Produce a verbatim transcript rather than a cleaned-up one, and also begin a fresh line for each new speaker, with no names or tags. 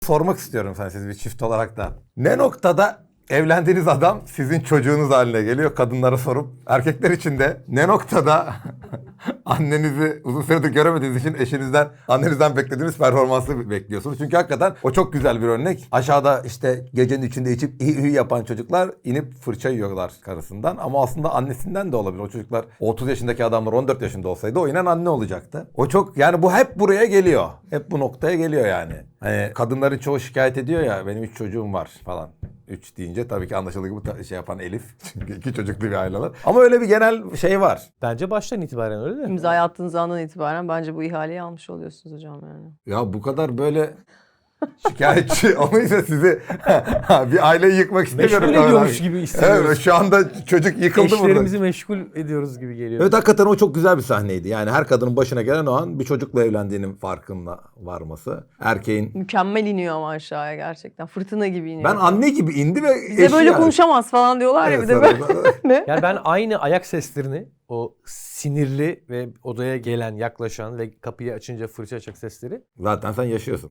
sormak istiyorum sana, siz bir çift olarak da. Ne noktada evlendiğiniz adam sizin çocuğunuz haline geliyor, kadınlara sorup? Erkekler için de ne noktada annenizi uzun süredir göremediğiniz için eşinizden, annenizden beklediğiniz performansı bekliyorsunuz? Çünkü hakikaten o çok güzel bir örnek. Aşağıda işte gecenin içinde içip iyi iyi yapan çocuklar inip fırça yiyorlar karısından. Ama aslında annesinden de olabilir. O çocuklar otuz yaşındaki adamlar on dört yaşında olsaydı o inen anne olacaktı. O çok, yani bu hep buraya geliyor. Hep bu noktaya geliyor yani. Hani kadınların çoğu şikayet ediyor ya, benim üç çocuğum var falan. Üç deyince tabii ki anlaşıldığı gibi şey yapan Elif. Çünkü iki çocuklu bir aileler. Ama öyle bir genel şey var.
Bence baştan itibaren öyle de.
İmzayı attığınız andan itibaren bence bu ihaleyi almış oluyorsunuz hocam yani.
Ya bu kadar böyle şikayetçi olmayınca sizi bir aileyi yıkmak istemiyorum.
Meşgul ediyormuş gibi hissediyoruz.
Evet, şu anda çocuk yıkıldı burada.
Eşlerimizi meşgul ediyoruz gibi geliyor.
Evet, hakikaten o çok güzel bir sahneydi. Yani her kadının başına gelen o an bir çocukla evlendiğinin farkında varması. Erkeğin...
Mükemmel iniyor ama aşağıya gerçekten. Fırtına gibi iniyor.
Ben anne gibi indi ve
Bize
eşi
böyle
yani.
konuşamaz falan diyorlar ya bir de
Evet,
böyle. Ne?
Yani ben aynı ayak seslerini, o sinirli ve odaya gelen, yaklaşan ve kapıyı açınca fırça açık sesleri
Zaten sen yaşıyorsun.